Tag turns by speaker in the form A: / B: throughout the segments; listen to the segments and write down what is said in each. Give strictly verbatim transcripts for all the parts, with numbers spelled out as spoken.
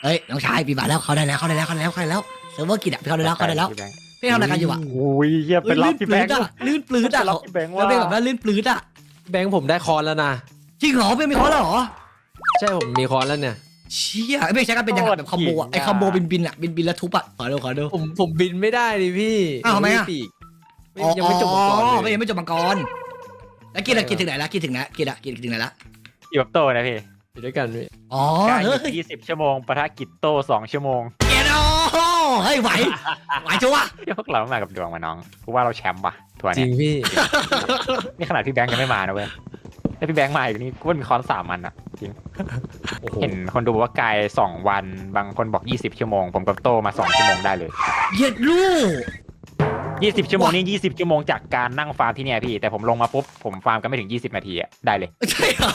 A: เฮ้ยน้องชายปีบาทแล้วเขาได้แล้วเขาได้แล้วเขาได้แล้วเขาได้แล้วเซิร์ฟเวอร์กิจอ่ะเขาได้แล้วเขาได้แล้วพี่ทำอะไรกันอยู่อ่ะ
B: โอ้ยเยี่ยเป็นล็อกที่แบงค์
A: ลื่นปลื้ดอ่ะ
B: ล็อกที่แบงค์
A: แล้ว
B: ว่า
A: เป็นแบบว่าลื่นปลื้ดอ่ะ
C: แบงค์ผมได้คอนแล้วนะ
A: จริงเหรอเป็นมีคอร์สแล้วเหรอ
C: ใช่ผมมีคอนแล้วเนี่ย
A: เชี่ยไม่ใช่กันเป็นยังไงแบบคอมโบอ่ะไอคอมโบบินบินอ่ะบินบินแล้วทุบอ่ะขอดูขอดู
C: ผมผมบินไม่ได้ดิพี่
A: อ้าวทำไมอะ
C: ปีกไม่ยังไม่จบมังกร
A: อ๋อ
C: เล
A: ไม่
C: ย
A: ยังไม่จบมังกรแล้วกินอะกินถึงไหนแล้วกินถึงไหนกินอะกินถึงไหนแล้ว
B: อยู่แบบโตนะพี่
C: อยู่ด้วยกันพี่
A: อ๋อ
B: การ
A: เฮ้ย
B: ยี่สิบชั่วโมงปะทะกิจโตสองชั่วโมง
A: เกียร์โอ้เฮ้ยไหวไหวชัวร์
B: เดี๋ยวพวกเรามากับดวงมาน้องกูว่าเราแชมป์ว่ะทัวร์
C: จริ
B: เนี้
C: ง
B: ย
C: พี่
B: นี่ขนาดพี่แบงค์ยังไม่มานะเว้ยถ้าพี่แบงค์มาอีกนี่กูว่ามีคอนสามอันอ่ะจริง
C: โอ้โห
B: เห็นคนดูบอกว่ากายสองวันบางคนบอกยี่สิบชั่วโมงผมกับโตมาสองชั่วโมงได้เลย
A: เหยียดลูก
B: ยี่สิบชั่วโมงนี่ยี่สิบชั่วโมงจากการนั่งฟาร์มที่เนี่ยพี่แต่ผมลงมาปุ๊บผมฟาร์มกันไม่ถึงยี่สิบนาทีอ่ะได้เลย
A: ใช่เหรอ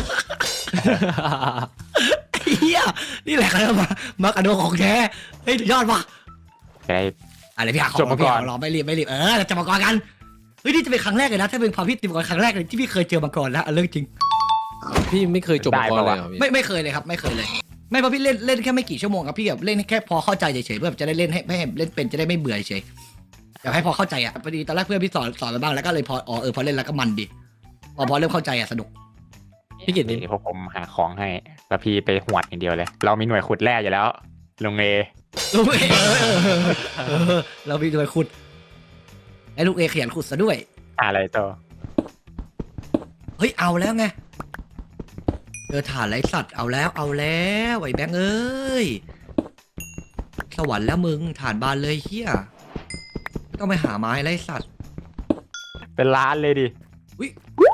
A: เฮียนี่แหละครับมามากันโดของแท้เฮ้ยยอดว่ะ
B: จะได้
A: อะไรพี่หาของ
B: จบมาก่อน
A: พี่หรอไม่รีบไม่รีบเออจะมาก่อนกันเฮ้ยนี่จะเป็นครั้งแรกเลยนะถ้าเป็นความพี่ติมก่อนครั้งแรกเลยที่พี่เคยเจอมาก่อนแล้วเรื่องจริง
C: พี่ไม่เคยจบมังกรเลยเหรอพี่
A: ไม่ไม่เคยเลยครับไม่เคยเลย ไม่เพราะพี่เล่นเล่นแค่ไม่กี่ชั่วโมงครับพี่แบบเล่นแค่พอเข้าใจเฉยๆเพื่อจะได้เล่นให้ให้เล่นเป็นจะได้ไม่เบื่อเฉยอยากให้พอเข้าใจอ่ะพอดีตอนแรกเพื่อนพี่สอนสอนมาบ้างแล้วก็เลยพออ๋อเออพอเล่นแล้วก็มันดีพอพอเริ่มเข้าใจอ่ะสนุก
C: พี่กิตนี่
B: เดี๋ยวพวกผมหาของให้แล้วพี่ไปหวดอย่างเดียวเลย เรามีหน่วยขุดแร่อยู่แล้วลุงเอ
A: ลูกเอเออเออเออเราพี่ด้วยขุดไอ้ลูกเอขยันขุดซะด้วย
B: อะไรโต
A: เฮ้ยเอาแล้วไงเจอฐานไรสัตว์เอาแล้วเอาแล้วไอ้แบงค์เอ้ยสวรรค์แล้วมึงฐานบานเลยเฮียต้องไปหาไม้ไรสัตว์
B: เป็นล้านเลยดิ
A: วิ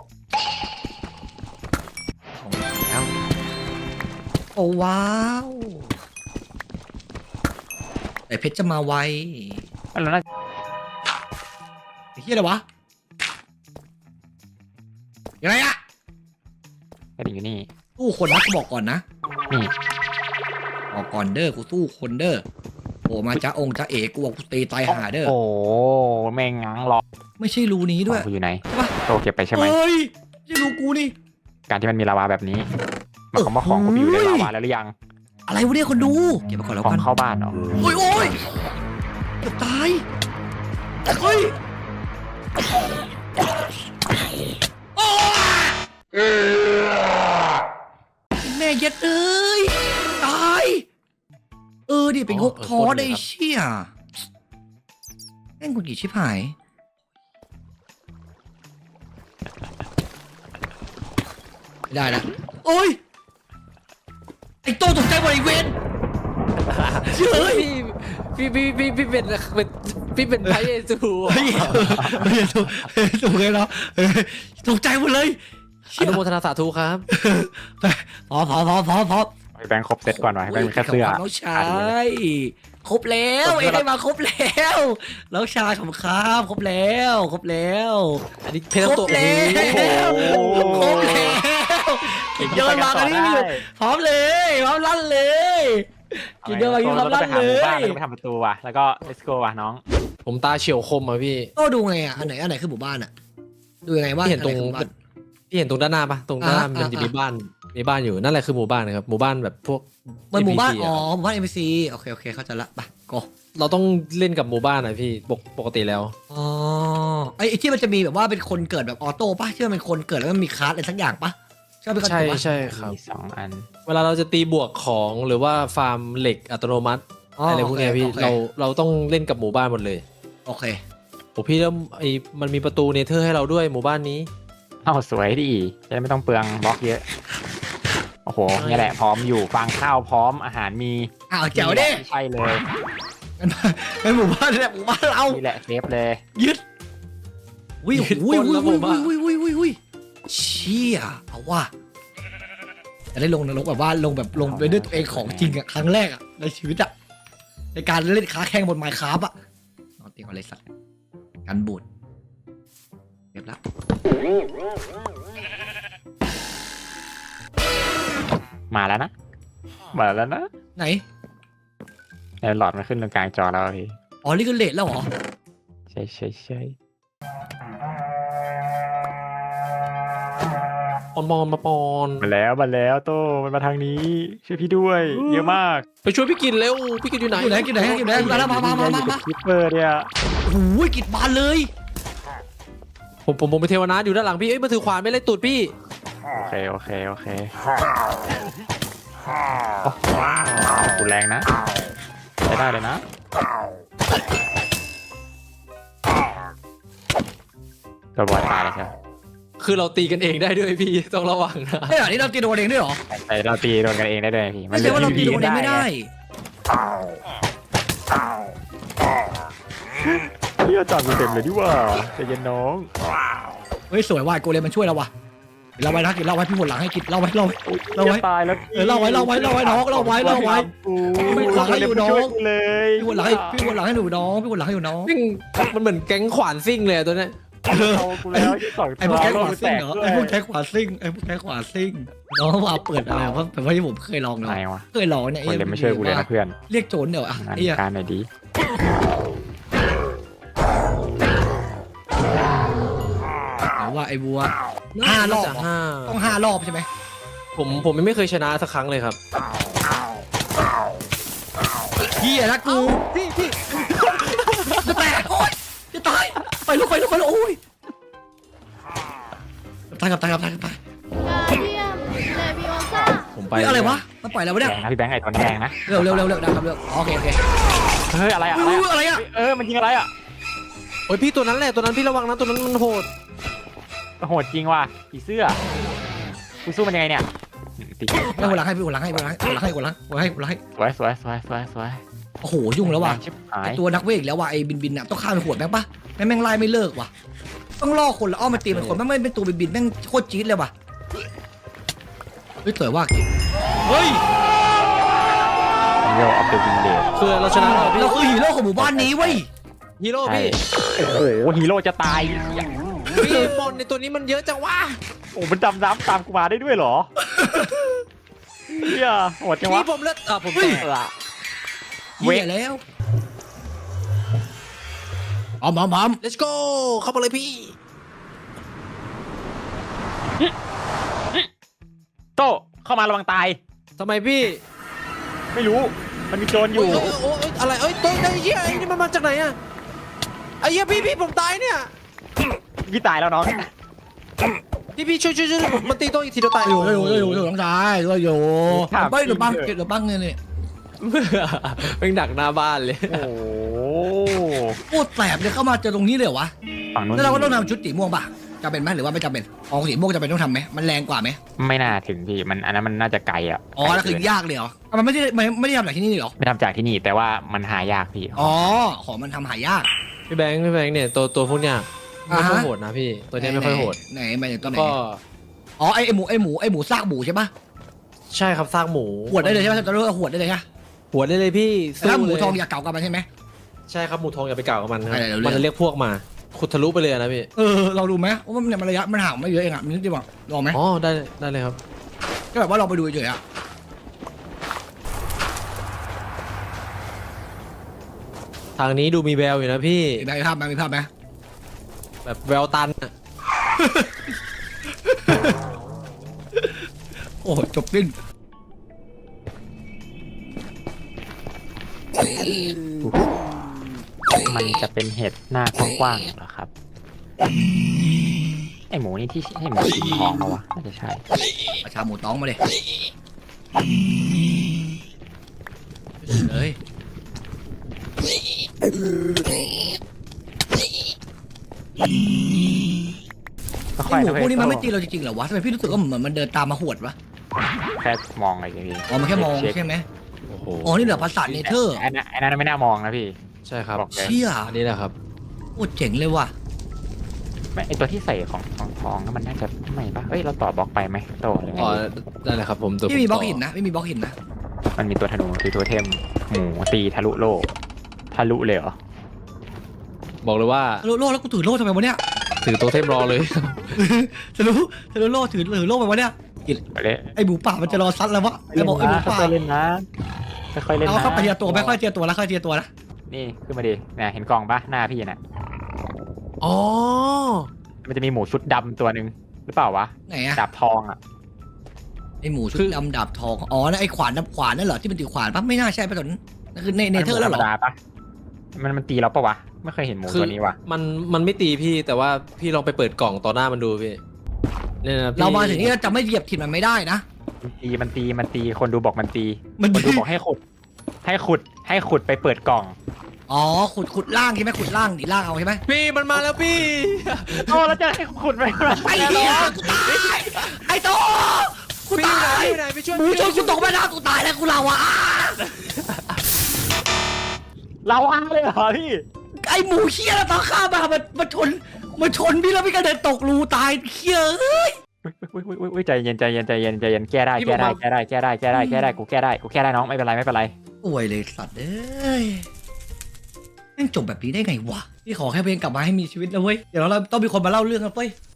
A: ของแล้วโอ้ว้าวแต่เพชรจะมาไว
B: แล้วน่า
A: ไอ้เฮียอะไรวะยังไงอะ
B: จะอยู่นี่
A: สู้คนนะกูบอกก่อนนะ
B: นี่
A: บอกก่อนเด้อกูสู้คนเด้อโอ้มาจ้าองค์จ้าเอกกูบอกกูตีตายหาเด้อ
B: โอ้แม่งง้างรอ
A: ไม่ใช่รูนี้ด้วย
B: กูอยู่ไหน
A: ใช่ปะ
B: โตเก็บไปใช่ไหม
A: เฮ้ยไม่ใช่รูกูนี่
B: การที่มันมีลาวาแบบนี้หมายความว่าของกูไปอยู่ในลาวาแล้วหรือยัง
A: อะไรวะเนี่ยคนดูเก็บมาก่อนแล้ว
B: ขอ
A: กั
B: ง
A: น
B: เข้าบ้านเหรอ
A: โอ้ยโอ้ยเกือบตายเฮ้ยโอ้แม่เย็ดเอ้ยตายเออดิเป็นงกท้อได้เชี่ยแม่งกุญกี่ชิบหายไม่ได้ละโอ้ยไอ้โต้ตกใจหมดไอ้เวนเฮ้ย
C: พี่พี่พี่พี่เป็นเป็นพี่เป็นพระเยซู
A: เฮ้ยเฮ้ยถูกถูกเลยเนาะเฮ้ยตกใจหมดเลย
C: อนุโมทนาสาธุครับ
A: ไปพอพอพอพอพอ
B: ให้แบงค์ครบเซตก่อนหน่อยให้แบงค์มีแค่เสื้อ
A: น้องชายครบแล้วเอ้ได้มาครบแล้วน้องชายของครับครบแล้วครบแล้ว
C: อันนี้เพชรตัว
A: ครบแล้ว
C: โอ้โห
A: ครบแล้วกินเยอะมากันนี่ไม่หยุดพร้อมเลยพร้อมลั่นเลยกินเยอะมากินพร้อมลั่นเล
B: บ้าน
A: ย
B: แล้วก็ไปทำประตูว่ะแล้วก็ let's go ว่ะน้อง
C: ผมตาเฉียวคมอ่ะพี่
A: ก็ดูไงอ่ะอันไหนอันไหนคือหมู่บ้านอ่ะดูยังไงว่า
C: พี่เห็นตรง
A: อัไหคือหมู่บ้าน
C: พี่เห็นตรงด้านหน้าปะตรงด้านหน้า
A: อ่า
C: มันจะ
A: อ่ามี
C: มีบ้านมีบ้านอยู่นั่นแหละคือหมู่บ้านนะครับหมู่บ้านแบบพวก
A: มันหมู่บ้าน
C: เอ็ม
A: อ๋อ
C: พีซีะ
A: หมู่บ้านเอ็มพีซีโอเคโอเคเข้าใจละไปก็
C: เราต้องเล่นกับหมู่บ้านนะพี่ปกปกติแล้ว
A: อ๋อไอ้ไอ้ที่มันจะมีแบบว่าเป็นคนเกิดแบบออโต้ป่ะที่มันเป็นคนเกิดแล้วมันมีคลาสอะไรสักอย่างป่ะใช่ไหมครับ
C: ใช่
A: ถูกปะ
C: ใช่ครับ
B: มีสองอัน
C: เวลาเราจะตีบวกของหรือว่าฟาร์มเหล็กอัตโนมัติอะไรพวกเนี้ยพี่
A: โอค
C: เราเราต้องเล่นกับหมู่บ้านหมดเลย
A: โอเค
C: โอ้พี่แล้วไอ้มันมีประตูเนเธอร์ให้เราด้วยหมู่บ้านนี้
B: เอ้าสวยดิจะได้ไม่ต้องเปลืองบล็อกเยอะโอ้โหนี่แหละพร้อมอยู่ฟางข้าวพร้อมอาหารมี
A: อ้าวแจ๋วดิ
B: ใช่เลย
A: เป็นหมู่บ้านนี่แหละหมู่บ้านเรา
B: นี่แหละเซฟเลย
A: ยึดวิว
C: ยึด
A: วิว
C: ปล้นแล้ว
A: วิ
C: ผ
A: ว
C: มว่า
A: วิววิววิววิวเชี่ยเอาว่าจะได้ลงนรกแบบว่าลงแบบลงไปด้วยตัวเองของจริงอะครั้งแรกอะในชีวิตอะในการเล่นค้าแข่งบนไมค์คราฟอะนอนเตียงอะไรสัตว์กันบูดเรียบร้อย
B: มาแล้วนะมาแล้วนะ
A: ไหน
B: ในหลอดมันขึ้นตรงกลางจอแล้วอะพี่
A: อ๋อนี่ก็เลทแล้วเหรอ
B: ใช่ใช่ใช่
A: โ
C: ปอนปอนมาปอน
B: มาแล้วมาแล้วโตมันมาทางนี้ช่วยพี่ด้วยเยอะมาก
C: ไปช่วยพี่กินเร็วพี่กินอยู่ไหน
A: อยู่ไหนอยู่ไหนอยู่ไหนมาแล้วมามามามามา
B: คิปเปอร์เนี่ย
A: โอ้ยกิดบานเลย
C: ผมผมผมไปเทวนาอยู่ด้านหลังพี่เอ้ยมาถือขวานไม่ไล่ตูดพี่
B: โอเคโอเคโอเคโอ้กูแรงนะใช้ได้เลยนะตัวบอลตายเลยใช่ไหม
C: คือเราตีกันเองได้ด้วยพี่ต้องระวังนะ
A: เนี่ยอันนี้เราตีโดนเองด้วยเหรอ
B: แต่เราตีโดนกันเองได้ด้วยพี่
A: ไม่ใช่ว่าเราตีโดนเองไม่ได้
B: พี่จอดกูเต็มเลยดิว่าใจเย็นน้อง
A: เฮ้ยสวยว่ะโกเลมมันช่วยเราว่ะเราไว้นะกินเราไว้พี่หมดหลังให้กินเราไว้เราไว้เราไว้
B: ตายแล้ว
A: เออเล่าไว้เล่าไว้เล่าไว้น้องเล่าไว้เล่าไว้ พี่หมดหลังให้อยู่น้อง
B: เลย
A: พี่หมดหลังให้พี่หมดหลังให้หนูน้องพี่หมดหลังให้หนูน้อง
C: แม่งมันเหมือนแก๊งขวานซิ่งเลยอะตัวเนี้ย
B: เอากูแล้วสอง
A: ไอ้พวกแก๊งขวาซิ่งเหรอไอ้พวกแก๊งขวาซิ่งไอ้พวกแก๊งขวาซิ่งน้องว่าเปิดอะไรวะแต่ว่าที่ผมเคยลองเนาะ
B: ไหนวะ
A: เคยลองเนี่ย
B: คนเลยไม่ช่วยกูเลยนะเพื่อน
A: เรียกโจรเดี๋ยวอ่ะ
B: งาน
A: ไอ้เหี้ย
B: การหน่อยดี
A: แต่ว่าไอ้บัว ห้ารอบ
C: น่
A: เหรอ
C: จะห้า
A: ต้องห้ารอบใช่ไหม
C: ผมผมยังไม่เคยชนะสักครั้งเลยครับ
A: เฮียนะกู
C: พี่พี่
A: จะแตกโอ๊ยจะตายไปลุกไปลุกไปลุกโอ้ยตายกับตายกับตายกับตาย
D: กาเดียมเลวิโอซ่า
C: ผมไป
A: เฮ้ยอะไรวะมันปล่อยแล้ววะ
B: แด
A: เนี่ย
B: งนะพี่แบงค์ไอ้ตอนแดงนะ
A: เร็วเร็วเร็วเร็วได้ครับเร็วโอเคโอเค
B: เฮ้ยอะไรอะ
A: อุ้
B: อะไร
A: ย
B: อะ
A: อะไรอ่ะ
B: เออมันยิงอะไรอะ
C: โอ้ยพี่ตัวนั้นแหละตัวนั้นพี่ระวังนะตัวนั้นมันโหด
B: โหดจริงว่ะผีเสื้อกูสู้มันยังไงเนี่ยตี
A: ไม่หัวหลังให้พี่หัวหลังให้หัวหลังให้หัวหลังให้หัวหลังหัวหลังให้หัวหลังให้
B: สวยสวยสวยสวยสวย
A: โอ้โหยุ่งแล้วว่ะ
B: ชิบหาย
A: ไอ้ตัวนักเวทอีกแล้วว่ะไอ้บินบินอ่ะต้องฆ่าเป็นขวดแม่งปะแม่งแม่งไล่ไม่เลิกว่ะต้องล่อคนแล้วอ้อมมาตีเป็นคนแม่งไม่เป็นตัวบินบินแม่งโคตรจี๊ดเลยว่ะเฮ้ยสวยว่ะเฮ้ย
B: โยออฟเดอะวินเลจ
C: คือเราชนะแล้วพี่
A: เราคือฮีโร่ของหมู่บ้านนี้เว้ย
C: ฮีโร่พี่
B: โอ้โหฮีโร่จะตาย
C: พี่บอลในตัวนี้มันเยอะจังวะ
B: โอ้มันดำน้ำตามกูมาได้ด้วยเหรอเฮียโหดจังวะ
C: พี่ผมเลิศอ่ะผม
B: เฮ้ย
C: แตก
A: เหี้ยแล้วอ๋อมอมอม
C: เลสโก้เข้ามาเลยพี่
B: โตเข้ามาระวังตาย
C: ทำไมพี่
B: ไม่รู้มันมีโจรอ
C: โอ้
B: ยู่
C: ยโอ้ยโอ้ยอะไรเอ้ยตัวไอ้เหี้ยไอ้นี่มันมาจากไหนอะไอ้เหี้ยพี่พี่ผมตายเนี่ย
B: พี่ตายแล้วน้อง
C: พี่พี่ช่วยช่วยช่วยผมมันตีตัวอีกทีเดียวตาย
A: อยู่อยู่อยู่อยู่น้องชายด้วยอยู่เฮ้ยหนูบังเก็บหนูบังเนี่ยนี่
C: เป็นดักหน้าบ้านเลย
B: โอ้โห
A: โคตรแสบเลยเข้ามาเจอตรงนี้เลยเหรอวะ
B: ฝั่งนู้น
A: แล้วเราก็ต้องทำชุดสีม่วงป่ะจำเป็นไหมหรือว่าไม่จำเป็นอ๋อสีม่วงจำเป็นต้องทำไหมมันแรงกว่าไหม
B: ไม่น่าถึงพี่มันอันนั้นมันน่าจะไกลอ่ะ
A: อ๋อแล้วคือยากเลยเหรออ่ะมันไม่ได้ไม่ไม่ได้ทำจากที่นี่เหรอ
B: ไม่ทำจากที่นี่แต่ว่ามันหายากพี่
A: อ๋อของมันทำหายาก
C: พี่แบงค์พี่แบงค์เนี่ยตัวตัวพวกเนี้ยไม่ค่อย
A: อ่าฮะ
C: โหดนะพี่ตัวเนี้ยไม่ค่อยโหด
A: ไหนไหนไหนตัวไหน
C: ก็
A: อ๋อไอไอหมูไอหมูไอหมูซากหมูใช่ปะ
C: ใช่ครับซากหมู
A: หวดได้เลยใช่ไหมจะเรียกว่าหวดได้เลยใช่
C: หัวได้เลยพี่
A: แต่ถ้าหมู
C: เลย
A: ทองอย่าเก่ากันมันใช่ไหม
C: ใช่ครับหมูทองอย่าไปเก่ากับมันครับ
A: อะไรเดี๋ยว
C: มันจะเรียกพวกมาขุดทะลุไปเลยนะพี่
A: เออเราดูไหมว่ามันเนี่ยมันระยะมันห่างไม่เยอะเองอ่ะมันนิดเดียวอ่ะลองไหม
C: อ๋อได้ได้เลยครับ
A: ก็แบบว่าเราไปดูเฉยๆอ่ะ
C: ทางนี้ดูมีแววอยู่นะพี่
A: มีภาพไหมมีภาพไหม
C: แบบแววตันอะ
A: โอ้จบสิ้น
B: มันจะเป็นเห็ดหน้ากว้างๆเหรอครับไอหมูนี่ที่ให้หมูสีทองมาวะน่าจะใช่
A: ประชาหมูต้องมาเลยเลย
B: ก็
A: ไอ
B: ค่อย
A: หมู
B: นะ
A: พวกนี้มันไม่
B: เว้ย
A: ตีเราจริงๆเหรอวะทำไมพี่รู้สึกว่าเหมือนมันเดินตามมาหวดวะ
B: แค่มองอะไรอย่างงี้
A: อ๋อมันแค่มอง
B: เช็ค
A: ใช่ไหม
C: โอ้โห
A: อ๋อนี่เหลือภาษาเนเธอร์
B: ไอ้นั่นไอ้นั่นไม่น่ามองนะพี่
C: ใช่ครับ
B: บอกเลย
A: เชี่ย
C: อันนี้แหละครับ
A: โคตรเจ๋งเลยว่ะ
B: ไม่ไอตัวที่ใส่ของทองทองมันน่าจะไม่ปะเอ้ยเราต่อบล็อกไปไหมโตหรือไง
C: อ๋อได้เลยครับผมตัว
A: พี่มี
C: ผ
A: บล็อก
C: ต่
A: หินนะไม่มีบล็อกหินนะ
B: มันมีตัวธนูคือตัวเทมหมูตีทะลุโลกทะลุเลยเหรอ
C: บอกเลยว่า
A: ทะลุโล่แล้วกูถือโล่ทำไมวะเนี่ย
C: ถือโตัวเทมรอเลย
A: ทะลุทะลุโล่ถือถือโล่ไปวะเนี่ย
B: ไปเลย
A: ไอหมูป่ามันจะรอซัดแล้ววะแล้วบอกไอหมูป่า
B: ค่อยๆเล่นนะค่อยๆเล่น
A: เอา
B: นะ
A: เข้าไปเทียตัวไม่ค่อยเทียตัวแล้วค่อยเทียตัวนะ
B: นี่ขึ้นมาดิเนี่ยเห็นกล่องปะหน้าพี่น่ะ
C: อ๋อ
B: มันจะมีหมูชุดดำตัวหนึ่งหรือเปล่าวะ
A: ไหนอะ
B: ดาบทองอ่ะ
A: ไอหมูชุดดำดาบทองอ๋อนั่นไอขวานน้ำขวานนั่นเหรอที่มันถือขวานปะไม่น่าใช่ปะตอนนั้นนั่นคือเนเนเธอร์แล้วเหรอ
B: ธรรมดาปะมันมันตีเราปะวะไม่เคยเห็นหมู
C: คือ
B: ตัวนี้วะ
C: มันมันไม่ตีพี่แต่ว่าพี่ลองไปเปิดกล่องต่อหน้ามันดูพี่เนี่ยนะพี่
A: เรามาถึงนี่เราจะไม่เหยียบถิ่นมันไม่ได้นะ
B: มันตีมันตีมันตีคนดูบอกมันตี
A: มัน
B: คนดูบอกให้ขุด ให้ขุดให้ขุดไปเปิดกล่อง
A: อ๋อขุดขุดล่างใช่ไหมขุดล่างดิล่างเอาใช่ไหม
C: พี่มันมาแล้วพี่
B: โอ้แล้วจะให้ขุดไป
A: ไอ้เหี้ยกูตายไอ้โตกู
C: พี่
A: ตา
C: ไหน
A: ย
C: พี่ไหนไปช่วย
A: หมูชนกูตกแม่น้ำกูตายแล้วกูเราอ่ะ
B: เราอ้างเลยเหรอพี่
A: ไอ้หมูเหี้ยแล้วตอนข้ามมามันมันชนมันชนพี่แล้วพี่ก็เดินตกรูตายเหี้ยเอ้ย
B: อุ้ยอุ้ยอุ้ยอุ้ยใจเย็นใจเย็นใจเย็นใจเย็นแก้ได้แก้ได้แก้ได้แก้ได้แก้ได้แก้ได้กูแก้ได้กูแก้ได้น้องไม่เป็นไรไม่เป็นไร
A: ป่วยเลยสัตว์เอ้ยแม่งจบแบบนี้ได้ไงวะพี่ขอแค่เพลงกลับมาให้มีชีวิตนะเว้ยเดี๋ยวเราต้องมีคนมาเล่าเรื่องกันเว้ย